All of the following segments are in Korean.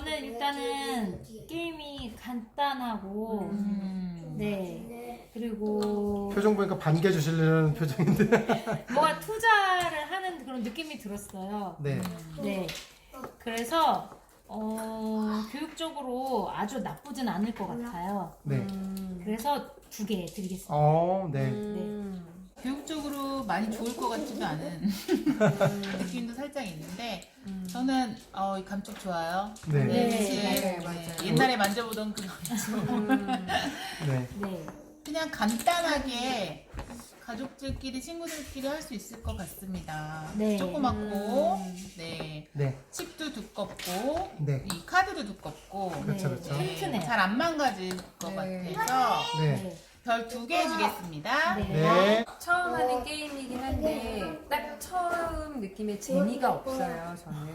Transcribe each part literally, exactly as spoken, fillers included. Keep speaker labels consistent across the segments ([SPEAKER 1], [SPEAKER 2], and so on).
[SPEAKER 1] 저는 일단은 게임이 간단하고
[SPEAKER 2] 음.
[SPEAKER 1] 네 그리고
[SPEAKER 3] 표정 보니까 반겨 주시려는 표정인데.
[SPEAKER 1] 뭔가 투자를 하는 그런 느낌이 들었어요.
[SPEAKER 3] 네.
[SPEAKER 1] 네 그래서 어, 교육적으로 아주 나쁘진 않을 것 같아요.
[SPEAKER 3] 네.
[SPEAKER 1] 그래서 두 개 드리겠습니다.
[SPEAKER 3] 어, 네.
[SPEAKER 2] 음. 교육적으로 많이 좋을 것 같지도 않은 느낌도 살짝 있는데 저는 어, 이 감쪽 좋아요.
[SPEAKER 3] 네.
[SPEAKER 1] 네,
[SPEAKER 2] 네,
[SPEAKER 4] 맞아요,
[SPEAKER 2] 네.
[SPEAKER 4] 맞아요.
[SPEAKER 2] 옛날에 만져보던 그 감쪽.
[SPEAKER 3] 네.
[SPEAKER 1] 네.
[SPEAKER 2] 그냥 간단하게 가족들끼리 친구들끼리 할 수 있을 것 같습니다.
[SPEAKER 1] 네.
[SPEAKER 2] 조그맣고 네
[SPEAKER 3] 네.
[SPEAKER 2] 칩도 두껍고
[SPEAKER 3] 네.
[SPEAKER 2] 이 카드도 두껍고
[SPEAKER 3] 그렇죠,
[SPEAKER 1] 네.
[SPEAKER 3] 그렇죠.
[SPEAKER 1] 튼튼해요.
[SPEAKER 2] 잘 안 망가질 것
[SPEAKER 4] 네.
[SPEAKER 2] 같아서
[SPEAKER 3] 네.
[SPEAKER 1] 네.
[SPEAKER 2] 별 두 개 주겠습니다.
[SPEAKER 1] 네.
[SPEAKER 3] 네.
[SPEAKER 4] 처음 하는 게임이긴 한데 딱 처음 느낌에 재미가 없어요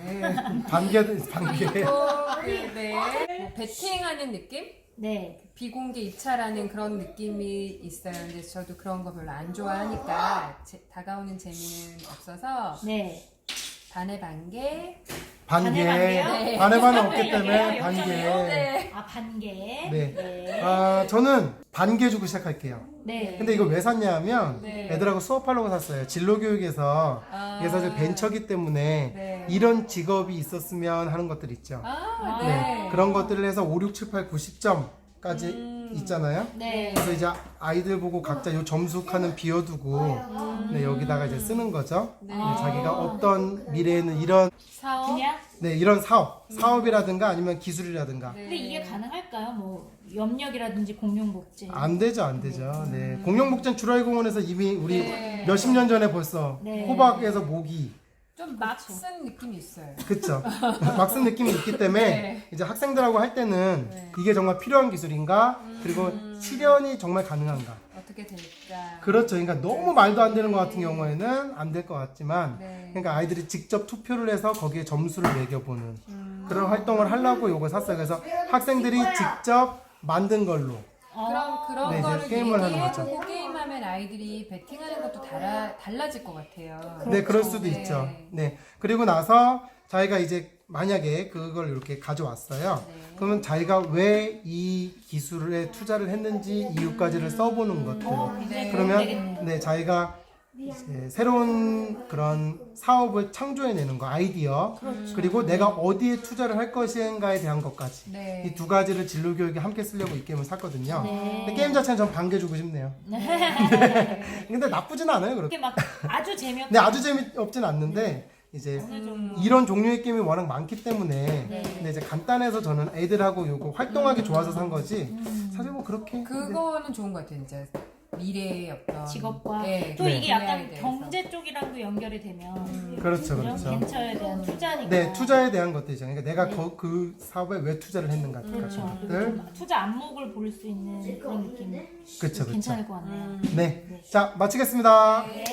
[SPEAKER 4] 저는.
[SPEAKER 3] 반겨, 반겨.
[SPEAKER 4] 그리고 그, 네. 뭐 배팅하는 느낌?
[SPEAKER 1] 네.
[SPEAKER 4] 비공개 입찰하는 그런 느낌이 있어요. 근데 저도 그런 거 별로 안 좋아하니까 제- 다가오는 재미는 없어서
[SPEAKER 1] 네.
[SPEAKER 4] 반의 반개.
[SPEAKER 3] 반개.
[SPEAKER 1] 반의 반개요?
[SPEAKER 4] 네.
[SPEAKER 3] 반의 반은 없기
[SPEAKER 1] 여기요,
[SPEAKER 3] 때문에
[SPEAKER 1] 여기요,
[SPEAKER 3] 반개.
[SPEAKER 1] 여기요?
[SPEAKER 4] 네.
[SPEAKER 1] 아 반개.
[SPEAKER 3] 네.
[SPEAKER 1] 네.
[SPEAKER 3] 아, 저는 반개 주고 시작할게요.
[SPEAKER 1] 네.
[SPEAKER 3] 근데 이거 왜 샀냐면
[SPEAKER 4] 네.
[SPEAKER 3] 애들하고 수업하려고 샀어요. 진로교육에서
[SPEAKER 4] 아.
[SPEAKER 3] 이게 사실 벤처기 때문에
[SPEAKER 4] 네.
[SPEAKER 3] 이런 직업이 있었으면 하는 것들 있죠.
[SPEAKER 4] 아,
[SPEAKER 3] 네.
[SPEAKER 4] 네.
[SPEAKER 3] 그런 것들을 해서 오, 육, 칠, 팔, 구십 점까지
[SPEAKER 4] 음.
[SPEAKER 3] 있잖아요.
[SPEAKER 1] 네.
[SPEAKER 3] 그래서 이제 아이들 보고 각자 요 점수 칸은 비워두고 네, 여기다가 이제 쓰는 거죠.
[SPEAKER 4] 네.
[SPEAKER 3] 네, 자기가 어떤 미래에는 이런
[SPEAKER 4] 사업.
[SPEAKER 1] 그냥.
[SPEAKER 3] 네, 이런 사업, 사업이라든가 아니면 기술이라든가
[SPEAKER 4] 네.
[SPEAKER 1] 근데 이게 가능할까요? 뭐 염력이라든지 공룡복제.
[SPEAKER 3] 안 되죠, 안 되죠. 네, 공룡목장 주라이공원에서 이미 우리
[SPEAKER 4] 네.
[SPEAKER 3] 몇십 년 전에 벌써
[SPEAKER 1] 네.
[SPEAKER 3] 호박에서 모기
[SPEAKER 4] 좀 막 쓴 느낌이 있어요.
[SPEAKER 3] 그쵸. 막 쓴 느낌이 있기 때문에
[SPEAKER 4] 네.
[SPEAKER 3] 이제 학생들하고 할 때는
[SPEAKER 4] 네.
[SPEAKER 3] 이게 정말 필요한 기술인가 그리고 실현이 정말 가능한가
[SPEAKER 4] 어떻게 될까?
[SPEAKER 3] 그렇죠. 그러니까 너무 말도 안 되는 것 같은 경우에는 안 될 것 같지만
[SPEAKER 4] 네.
[SPEAKER 3] 그러니까 아이들이 직접 투표를 해서 거기에 점수를 매겨보는
[SPEAKER 4] 음.
[SPEAKER 3] 그런 활동을 하려고 이걸 샀어요. 그래서 학생들이 직접 만든 걸로
[SPEAKER 4] 그럼 그런
[SPEAKER 3] 네, 이제
[SPEAKER 4] 거를
[SPEAKER 3] 게임을 하는 거죠.
[SPEAKER 4] 얘기해보고 게임하면 아이들이 배팅하는 것도 달라, 달라질 것 같아요.
[SPEAKER 3] 네, 그럴 수도
[SPEAKER 4] 네.
[SPEAKER 3] 있죠. 네. 그리고 나서 자기가 이제 만약에 그걸 이렇게 가져왔어요.
[SPEAKER 4] 네.
[SPEAKER 3] 그러면 자기가 왜 이 기술에 투자를 했는지 이유까지를 써보는 것들.
[SPEAKER 1] 굉장히
[SPEAKER 3] 그러면
[SPEAKER 1] 되겠네요.
[SPEAKER 3] 네, 자기가 이제 새로운 그런 사업을 창조해내는 거, 아이디어.
[SPEAKER 1] 그렇죠.
[SPEAKER 3] 그리고 내가 어디에 투자를 할 것인가에 대한 것까지.
[SPEAKER 4] 네.
[SPEAKER 3] 이 두 가지를 진로 교육에 함께 쓰려고 이 게임을 샀거든요.
[SPEAKER 1] 네.
[SPEAKER 3] 근데 게임 자체는 전 반개 주고 싶네요. 근데 나쁘진 않아요, 그렇게.
[SPEAKER 1] 이렇게 막 아주 재미없.
[SPEAKER 3] 근데 아주 재미없진 않는데 이제
[SPEAKER 1] 어느 정도.
[SPEAKER 3] 이런 종류의 게임이 워낙 많기 때문에
[SPEAKER 1] 네.
[SPEAKER 3] 근데 이제 간단해서 저는 애들하고 요거 활동하기 좋아서 산 거지 사실 뭐 그렇게 근데
[SPEAKER 4] 그거는 좋은 것 같아요, 진짜. 미래의 어떤
[SPEAKER 1] 직업과
[SPEAKER 4] 네,
[SPEAKER 1] 또
[SPEAKER 3] 네.
[SPEAKER 1] 이게 약간
[SPEAKER 4] 분야에 대해서.
[SPEAKER 1] 경제 쪽이랑도 연결이 되면
[SPEAKER 3] 그렇죠,
[SPEAKER 1] 그죠?
[SPEAKER 3] 그렇죠.
[SPEAKER 1] 벤처에 대한 투자니까.
[SPEAKER 3] 네, 투자에 대한 것들이죠. 그러니까 내가
[SPEAKER 1] 네.
[SPEAKER 3] 거, 그 사업에 왜 투자를 했는가
[SPEAKER 1] 그렇죠.
[SPEAKER 3] 같은
[SPEAKER 1] 그리고
[SPEAKER 3] 것들.
[SPEAKER 1] 좀 투자 안목을 볼 수 있는 그런 느낌.
[SPEAKER 3] 그렇죠, 그렇죠.
[SPEAKER 1] 괜찮을 것 같네요.
[SPEAKER 3] 네, 자 마치겠습니다.
[SPEAKER 1] 네.